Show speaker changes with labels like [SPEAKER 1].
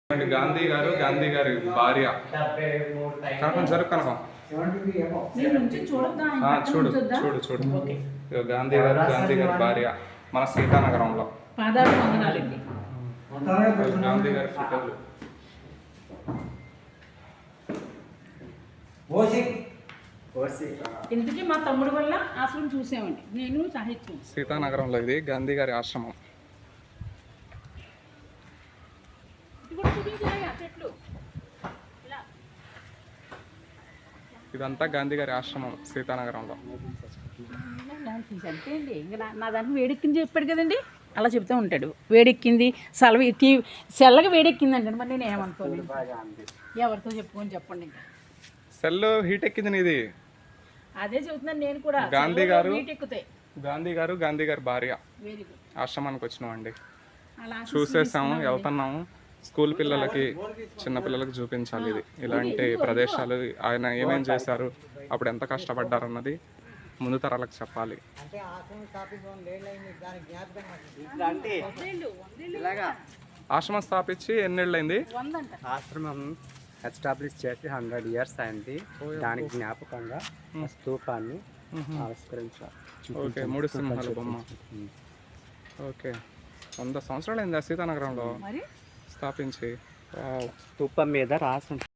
[SPEAKER 1] గాంధీ గారి భార్య కనకం జరుగు కనకం చూడు చూడు చూడు గాంధీ గారి భార్య మన సీతానగరంలో గాంధీ గారి ఫోటోలు
[SPEAKER 2] ఇంతకీ మా తమ్ముడు వల్ల ఆశ్రమం చూసామండి నేను సాహిత్యం
[SPEAKER 1] సీతానగరంలో ఇది గాంధీ గారి ఆశ్రమం. ఇదంతా గాంధీ గారి ఆశ్రమం సీతానగరంలో.
[SPEAKER 2] అంతే అండి ఇంకా నా దాన్ని వేడెక్కింది చెప్పాడు కదండి, అలా చెప్తూ ఉంటాడు. వేడెక్కింది సెల్లగా వేడెక్కింది అంటాడు. మరి నేను ఏమనుకోలేదు, ఎవరితో చెప్పుకొని చెప్పండి. ఇంకా
[SPEAKER 1] సెల్ హీట్ ఎక్కింది నీది.
[SPEAKER 2] అదే చెబుతున్నాను నేను కూడా.
[SPEAKER 1] గాంధీ గారు గాంధీ గారి భార్య
[SPEAKER 2] వెరీ గుడ్.
[SPEAKER 1] ఆశ్రమానికి వచ్చినాం అండి, చూసేసాము, వెళ్తున్నాము. స్కూల్ పిల్లలకి చిన్నపిల్లలకి చూపించాలి ఇది ఇలాంటి ప్రదేశాలు. ఆయన ఏమేం చేశారు, అప్పుడు ఎంత కష్టపడ్డారు అన్నది ముందు తరాలకు చెప్పాలి. ఆశ్రమం స్థాపించి ఎన్నేళ్ళైంది?
[SPEAKER 3] ఆశ్రమం ఎస్టాబ్లిష్ చేసి 100 years అయింది. దానికి జ్ఞాపకంగా స్తూపాన్ని ఆవిష్కరించారు.
[SPEAKER 1] ఓకే, 3 సింహాల బొమ్మ. ఓకే, 100 సంవత్సరాలు అయిందా సీతానగరంలో స్థాపించి?
[SPEAKER 3] స్తూపం మీద రాసి